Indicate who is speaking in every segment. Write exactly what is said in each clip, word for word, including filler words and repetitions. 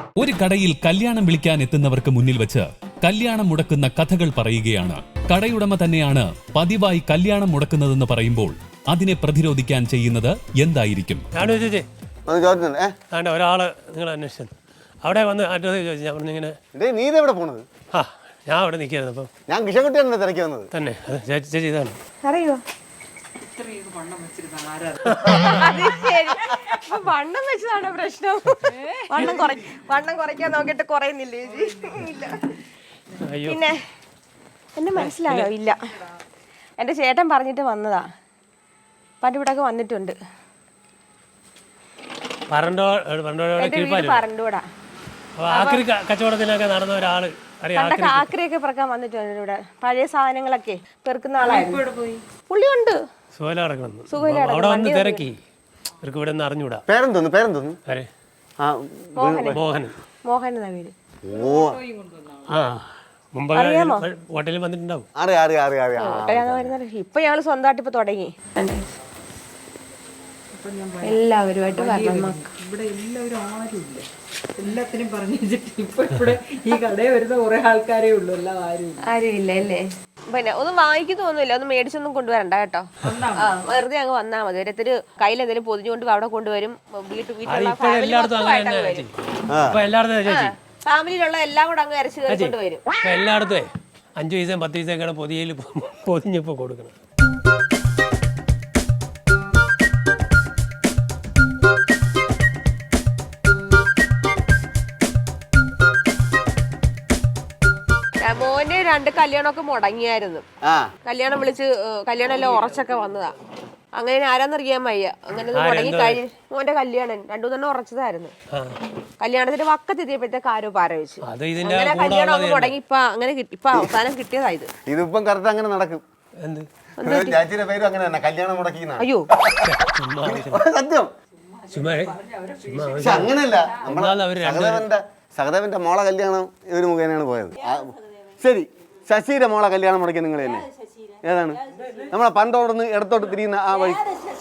Speaker 1: ഒരു കടയിൽ കല്യാണം വിളിക്കാൻ എത്തുന്നവർക്ക് മുന്നിൽ വെച്ച് കല്യാണം മുടക്കുന്ന കഥകൾ പറയുകയാണ്. കടയുടമ തന്നെയാണ് പതിവായി കല്യാണം മുടക്കുന്നതെന്ന് പറയുമ്പോൾ അതിനെ പ്രതിരോധിക്കാൻ ചെയ്യുന്നത് എന്തായിരിക്കും?
Speaker 2: ഒരാള് നിങ്ങൾ അന്വേഷിച്ചു അവിടെ വന്ന് അഡ്രസ് ചോദിച്ചു. ഇങ്ങനെ
Speaker 3: നീ ഇതെവിടെ പോണത്?
Speaker 2: ആ ഞാൻ അവിടെ നിൽക്കായിരുന്നു. അപ്പം
Speaker 3: ഞാൻ കിഷൻകുട്ടിയാണ് തിരക്കി വന്നത്.
Speaker 2: തന്നെ ചേച്ചി ചേച്ചി ഇതാണ്.
Speaker 4: അറിയോ വണ്ണം വെച്ചതാണോ പ്രശ്നം? വണ്ണം കുറ വണ്ണം കുറയ്ക്കാൻ നോക്കിയിട്ട് കുറയുന്നില്ലേ ചേച്ചി? പിന്നെ എന്നെ മനസ്സിലായോ? ഇല്ല, എന്റെ ചേട്ടൻ പറഞ്ഞിട്ട് വന്നതാ. പണ്ടിവിടൊക്കെ വന്നിട്ടുണ്ട്. പറഞ്ഞൂടാ
Speaker 2: കച്ചവടത്തിനൊക്കെ നടന്ന ഒരാള്
Speaker 4: ആക്രിയൊക്കെ പെറുക്കാൻ വന്നിട്ടുണ്ട് ഇവിടെ. പഴയ സാധനങ്ങളൊക്കെ പെറുക്കുന്ന ആളായിരുന്നു. പുള്ളിയുണ്ട്.
Speaker 2: തിരക്കി ഇവിടെ നിന്ന് അറിഞ്ഞൂടാ.
Speaker 3: പേരെന്തോന്നു പേരെന്തോന്നു?
Speaker 2: മോഹൻ.
Speaker 4: മോഹൻ എന്നാ പേര്.
Speaker 2: ഹോട്ടലിൽ വന്നിട്ടുണ്ടാവും.
Speaker 4: ഇപ്പൊ ഞങ്ങള് സ്വന്തമായിട്ട് ഇപ്പൊ തുടങ്ങി. എല്ലാവരുമായിട്ട്
Speaker 5: ഇവിടെ എല്ലാവരും ആരുമില്ല, എല്ലാത്തിനും പറഞ്ഞു വെച്ചിട്ട് ഇപ്പൊ ഇവിടെ ഈ കടയിൽ വരുന്ന കുറെ ആൾക്കാരേ ഉള്ളൂ. എല്ലാം ആരും
Speaker 4: ആരും ഇല്ല അല്ലേ? പിന്നെ ഒന്നും വാങ്ങിക്കുന്നൊന്നുമില്ല, ഒന്നും മേടിച്ചൊന്നും കൊണ്ടുവരണ്ട കേട്ടോ. ആ വെറുതെ അങ്ങ് വന്നാ മതി. ഒരൊരു കയ്യിൽ എന്തെങ്കിലും പൊതിഞ്ഞുകൊണ്ട് അവിടെ കൊണ്ടുവരും. വീട്ടു വീട്ടിലുള്ള ഫാമിലിയിലുള്ള എല്ലാം കൂടെ അങ്ങ് അരച്ചു കയറി കൊണ്ടുവരും.
Speaker 2: എല്ലായിടത്തും അഞ്ചു പൈസയും പത്ത് പൈസയൊക്കെയാണ് പൊതിയയിൽ പൊതിഞ്ഞപ്പോ കൊടുക്കണം.
Speaker 4: മോന് രണ്ട് കല്യാണമൊക്കെ മുടങ്ങിയായിരുന്നു. കല്യാണം വിളിച്ച് കല്യാണം എല്ലാം ഉറച്ചൊക്കെ വന്നതാ. അങ്ങനെ ആരാന്നറിയാൻ വയ്യ. അങ്ങനെ മുടങ്ങി കഴിഞ്ഞ് മോന്റെ കല്യാണം രണ്ടു തന്നെ ഉറച്ചതായിരുന്നു. കല്യാണത്തിന്റെ വക്കത്തെത്തിയപ്പോഴത്തേക്ക് ആരോ പാര വെച്ചു. അങ്ങനെ കല്യാണം ഒക്കെ മുടങ്ങി ഇപ്പൊ അങ്ങനെ ഇപ്പൊ അവസാനം കിട്ടിയതായത്.
Speaker 3: ഇതിപ്പം കറക്റ്റ് അങ്ങനെ നടക്കും.
Speaker 4: അയ്യോ
Speaker 3: സത്യം അങ്ങനെയല്ല. സഹദേവന്റെ സഹദേവന്റെ മോളെ കല്യാണം ഇവര് മുഖേനയാണ് പോയത്. ശരി, ശശിയുടെ മോളെ കല്യാണം മുടക്കി നിങ്ങൾ തന്നെ. ഏതാണ്? നമ്മളെ പണ്ടോടന്ന് ഇടത്തോട്ട് തിരിയുന്ന ആ വഴി.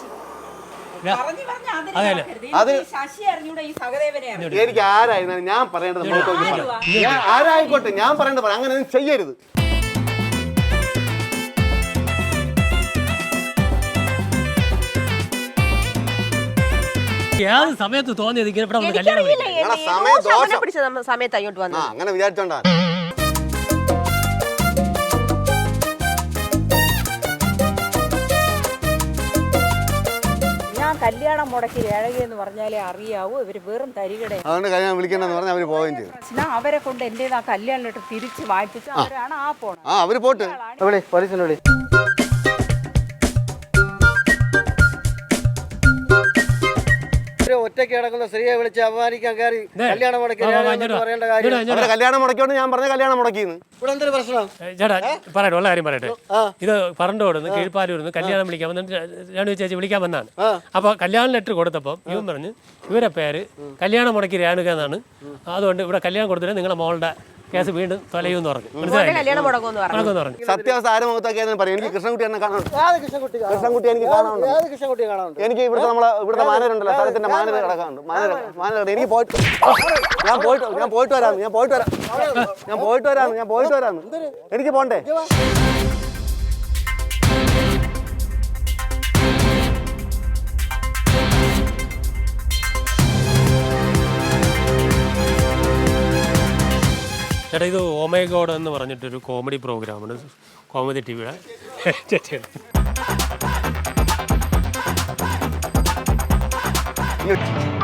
Speaker 3: അത് എനിക്ക് ആരായിരുന്നാലും ഞാൻ പറയേണ്ടത് ഞാൻ ആരായിക്കോട്ടെ, ഞാൻ പറയേണ്ടത് പറയാം. അങ്ങനെ ഒന്നും ചെയ്യരുത്.
Speaker 2: സമയത്ത് തോന്നിയത്
Speaker 4: സമയത്ത് അങ്ങോട്ട് വന്നു.
Speaker 3: അങ്ങനെ വിചാരിച്ചോണ്ടാ.
Speaker 5: കല്യാണം മുടക്കി ഏഴകയെന്ന് പറഞ്ഞാലേ അറിയാവൂ. ഇവര് വെറും തരികട.
Speaker 3: അതുകൊണ്ട് കല്യാണം വിളിക്കണ്ടെന്ന് പറഞ്ഞാൽ അവര് പോവുകയും ചെയ്തു.
Speaker 5: അവരെ കൊണ്ട് എന്റെ ആ കല്യാണം തിരിച്ച് വായിപ്പിച്ചു. അവരാണ് ആ പോണം.
Speaker 3: ആ അവര് പോട്ട് പോലീസിനെ വിളി. ഒറ്റയ്ക്ക് കിടക്കുന്ന സ്ത്രീയെ വിളിച്ച് അപമാനിക്കാൻ കയറി കല്യാണം മുടക്കി പറയേണ്ട കാര്യം. കല്യാണം മുടക്കിയോണ്ട് ഞാൻ പറഞ്ഞ കല്യാണം മുടക്കിന്ന്. ഇവിടെ എന്തൊരു പ്രശ്നം?
Speaker 2: ചേട്ടാ പറയട്ടെ, ഉള്ള കാര്യം പറയട്ടെ. ഇത് പറണ്ടോടുന്ന് കീഴ്പ്പാലൂർന്ന് കല്യാണം വിളിക്കാൻ വന്നിട്ട് രേണു ചേച്ചി വിളിക്കാൻ വന്നാണ്. അപ്പൊ കല്യാണ ലെറ്റർ കൊടുത്തപ്പോൾ ഇവൻ പറഞ്ഞ് ഇവരെ പേര് കല്യാണം മുടക്കി രേണുക എന്നാണ്. അതുകൊണ്ട് ഇവിടെ കല്യാണം കൊടുത്തിട്ട് നിങ്ങളെ മോളുടെ കേസ് വീണ്ടും തൊലയൂന്ന് പറഞ്ഞു.
Speaker 3: സത്യാവസ്ഥ ആരും മുഖത്തൊക്കെ പറയും. എനിക്ക് കൃഷ്ണൻകുട്ടി എന്നെ കാണാനുണ്ട്. കൃഷ്ണൻകുട്ടി എനിക്ക് കാണാനുണ്ട്. എനിക്ക് ഇവിടുത്തെ നമ്മളെ ഇവിടുത്തെ മാനേജറുണ്ടല്ലോ, സ്ഥലത്തിന്റെ മാനേജർ കിടക്കാനുണ്ട്. മാനേജർ മാനേജർ എനിക്ക് പോയിട്ട് ഞാൻ പോയിട്ട് ഞാൻ പോയിട്ട് വരാം ഞാൻ പോയിട്ട് വരാം ഞാൻ പോയിട്ട് വരാം ഞാൻ പോയിട്ട് വരാം എനിക്ക് പോണ്ടേ?
Speaker 2: ചേട്ടാ ഇത് ഓ മൈ ഗോഡ് എന്ന് പറഞ്ഞിട്ടൊരു കോമഡി പ്രോഗ്രാമാണ് കോമഡി ടി വിയുടെ. ചേച്ചിയാണ്